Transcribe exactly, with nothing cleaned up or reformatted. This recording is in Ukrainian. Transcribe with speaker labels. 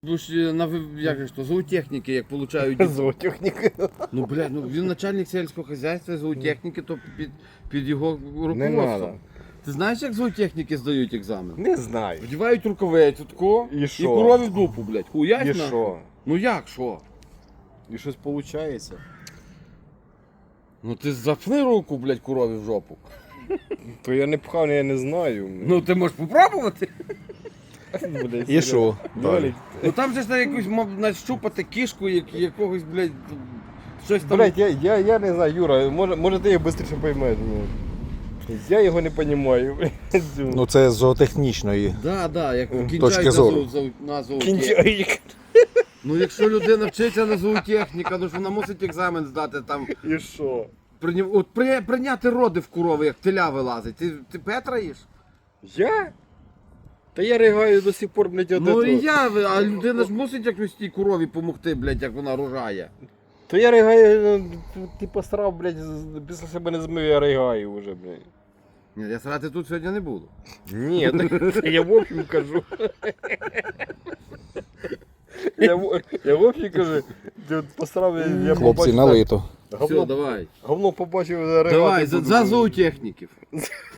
Speaker 1: Ви ж на ви- як же ж то, зоотехніки, як получають.
Speaker 2: Зоотехніки.
Speaker 1: Ну, блядь, ну він начальник сільського хазяйства, зоотехніки, то під, під його
Speaker 2: Не
Speaker 1: руководством.
Speaker 2: надо.
Speaker 1: Ти знаєш, як зоотехніки здають екзамен?
Speaker 2: Не знаю.
Speaker 1: Вдівають рукавицю тако
Speaker 2: І
Speaker 1: і
Speaker 2: що?
Speaker 1: корові в дупу, блядь.
Speaker 2: І
Speaker 1: Хуясь на?
Speaker 2: що?
Speaker 1: Ну як, що?
Speaker 2: І щось виходить?
Speaker 1: Ну ти запни руку, блядь, корові в жопу.
Speaker 2: То я не пхав, я не знаю.
Speaker 1: Ну ти можеш попробувати.
Speaker 2: Блядь,
Speaker 3: І що?
Speaker 2: Блядь,
Speaker 1: Ну там же ж на якусь мав нащупати кішку, як, якогось, блядь, щось там.
Speaker 2: Блядь, я, я, я не знаю, Юра, може, може ти його швидше поймеш. Ну. Я його не розумію.
Speaker 3: Ну це з зоотехнічної.
Speaker 1: Да, да, як
Speaker 3: Точки
Speaker 1: кінчають на,
Speaker 3: зору.
Speaker 1: зоо- зоо- на зоотехніку.
Speaker 2: Кінчай.
Speaker 1: Ну якщо людина вчиться на зоотехніка, ну ж вона мусить екзамен здати там.
Speaker 2: І що?
Speaker 1: Прийня- От при, прийняти роди в корови, як теля вилазить. Ти, ти Петра їш?
Speaker 2: Я? Та я ригаю до сих пор, блядь, от
Speaker 1: Ну
Speaker 2: этого.
Speaker 1: і я, а людина ж мусить якось тій корові допомогти, блядь, як вона рожає.
Speaker 2: То я ригаю, ну, ти посрав, блядь, з- після себе не змив, я ригаю вже, блядь.
Speaker 1: Ні, я срати тут сьогодні не буду.
Speaker 2: Ні, так я в общем кажу. Я, в- я в общем кажу, ти от посрав, я, я
Speaker 3: Хлопці,
Speaker 2: побачив,
Speaker 3: налито.
Speaker 1: Все,
Speaker 2: Говно,
Speaker 1: давай.
Speaker 2: говно побачив, ригати
Speaker 1: Давай, за,
Speaker 2: буду.
Speaker 1: за зоотехніків.